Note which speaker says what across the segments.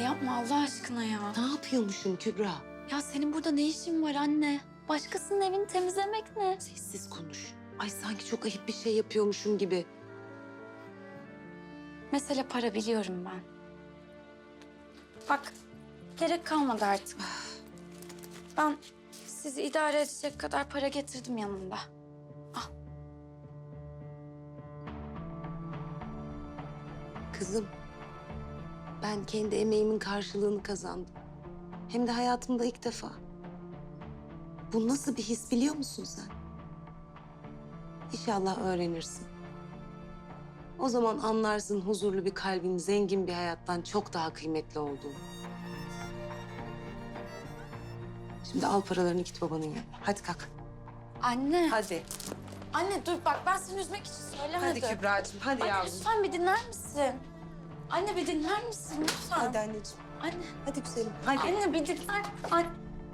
Speaker 1: yapma Allah aşkına ya.
Speaker 2: Ne yapıyormuşum Kübra?
Speaker 1: Ya senin burada ne işin var anne? Başkasının evini temizlemek ne?
Speaker 2: Sessiz konuş. Ay sanki çok ayıp bir şey yapıyormuşum gibi.
Speaker 1: Mesele para biliyorum ben. Bak gerek kalmadı artık. Ben sizi idare edecek kadar para getirdim yanımda.
Speaker 2: Kızım, ben kendi emeğimin karşılığını kazandım. Hem de hayatımda ilk defa. Bu nasıl bir his biliyor musun sen? İnşallah öğrenirsin. O zaman anlarsın huzurlu bir kalbin zengin bir hayattan çok daha kıymetli olduğunu. Şimdi al paralarını git babanın yanına. Hadi kalk.
Speaker 1: Anne.
Speaker 2: Hadi.
Speaker 1: Anne dur bak ben seni üzmek için söylemedim.
Speaker 2: Hadi Kübra'cığım, hadi
Speaker 1: Anne
Speaker 2: yavrum.
Speaker 1: lütfen bir dinler misin? Anne bir dinler misin lütfen?
Speaker 2: Hadi anneciğim.
Speaker 1: Anne.
Speaker 2: Hadi güzelim. Hadi.
Speaker 1: Anne bir dinler. Anne.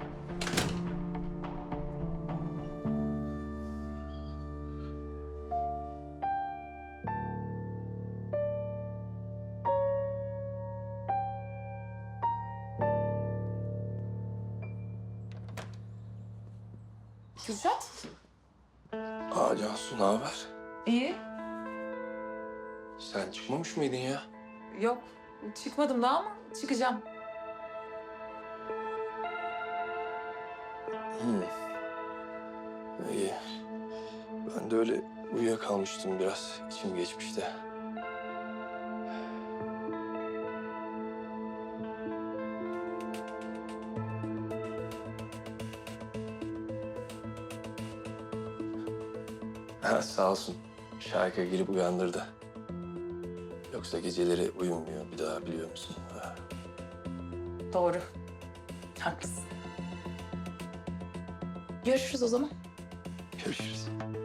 Speaker 3: Kürşat.
Speaker 4: Cansu ne haber?
Speaker 3: İyi.
Speaker 4: Sen çıkmamış mıydın ya?
Speaker 3: Yok. Çıkmadım daha ama çıkacağım.
Speaker 4: İyi. Ben de öyle uyuyakalmıştım biraz. İçim geçmişti. Ha, sağ olsun. Şarkı girip uyandırdı. Yoksa geceleri uyumuyor bir daha biliyor musun? Ha.
Speaker 3: Doğru. Haklısın. Görüşürüz o zaman.
Speaker 4: Görüşürüz.